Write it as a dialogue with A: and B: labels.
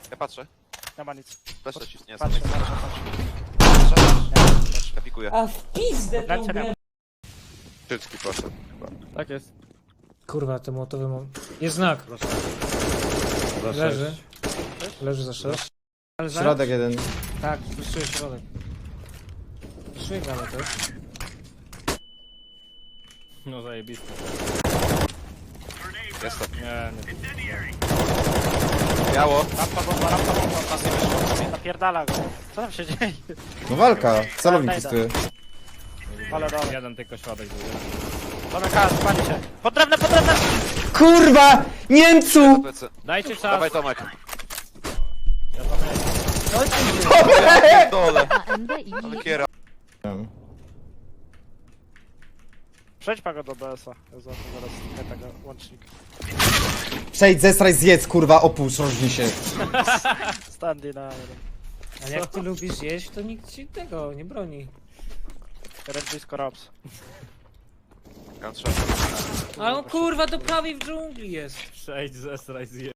A: Ja patrzę.
B: Nie ma nic.
A: Flash ci nie
B: Patrzę.
A: Ja pikuję.
C: A w pizdę tą
B: Lecę,
C: grę.
A: Szybki poszedł chyba.
D: Tak jest.
E: Kurwa, te motowy mam. Jest znak. Leży. Leży za 6.
F: Środek jeden.
E: Tak, wyszuję środek. Wyszuję galę też.
D: No zajebiste.
A: Jestem.
D: Nie.
A: Biało.
B: Rampa bomba, napierdala go. Co tam się dzieje?
F: No walka. Celownik
B: Daj,
F: testuje.
B: Ale dobra.
D: Jeden tylko środek był.
B: Zamykałem, spali się. Potrzebne!
F: Kurwa! Niemcu!
A: Plecy.
D: Dajcie czas.
A: Dawaj Tomek.
F: Dobre!
A: Dole.
G: AMD i
A: Ale kiera.
B: Przejdź go do BS-a. Ja zobaczę zaraz tego łącznika.
F: Przejdź, zestraj, zjedz, kurwa, opuść, rożnij się.
B: Standy na jeden.
E: A jak ty lubisz jeść, to nikt ci tego nie broni.
B: Red blisko Raps.
A: Gunshot.
E: Ale on kurwa do prawej w dżungli jest.
D: Przejdź, zesraj, zje.